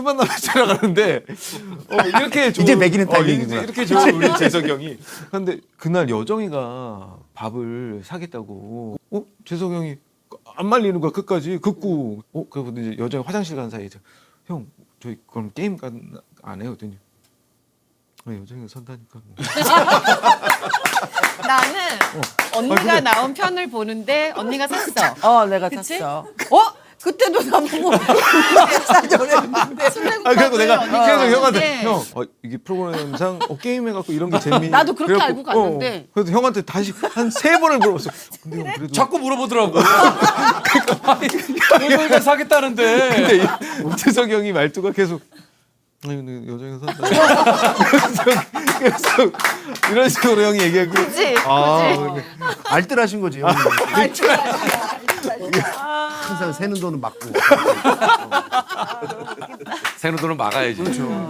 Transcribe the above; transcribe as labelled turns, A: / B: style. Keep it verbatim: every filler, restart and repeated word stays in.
A: 만나면 지나가는데 어, 이렇게 좋은,
B: 이제 먹이는
A: 어,
B: 타이밍이구나.
A: 이렇게 좋은 우리 재석이 형이. 근데 그날 여정이가 밥을 사겠다고. 어 재석이 형이 안 말리는 거야 끝까지 긋고. 어 그래서 이제 여정이 화장실 간 사이에 형 저희 그럼 게임 간 안 해요? 그랬더니 아, 여정이가 산다니까.
C: 나는 언니가
A: 아, 근데-
C: 나온 편을 보는데 언니가 샀어.
D: 어, 내가
C: 그치?
D: 샀어. 어? 그때도 나보고 사자 그랬는데.
A: 아 그래고 내가
C: 언니가
A: 계속 형한테
C: 봤는데
A: 형 어, 이게 프로그램상 어, 게임 해갖고 이런 게 재미.
D: 나도 그렇게
A: 그래갖고,
D: 알고 갔는데.
A: 어, 그래서 형한테 다시 한 세 번을 물어봤어. 근데 형 그래도
E: 자꾸 물어보더라고. 아니, 여기가 사겠다는데.
A: 근데 이- 재석이 형이 말투가 계속 아니 근데 여자가 산다. 계속, 계속 이런 식으로 형이 얘기하고.
C: 그치?
A: 아,
C: 그치?
A: 근데
B: 알뜰하신 거지. 형님. 항상 새는 돈은 맞고.
E: 새는 돈은 막아야지.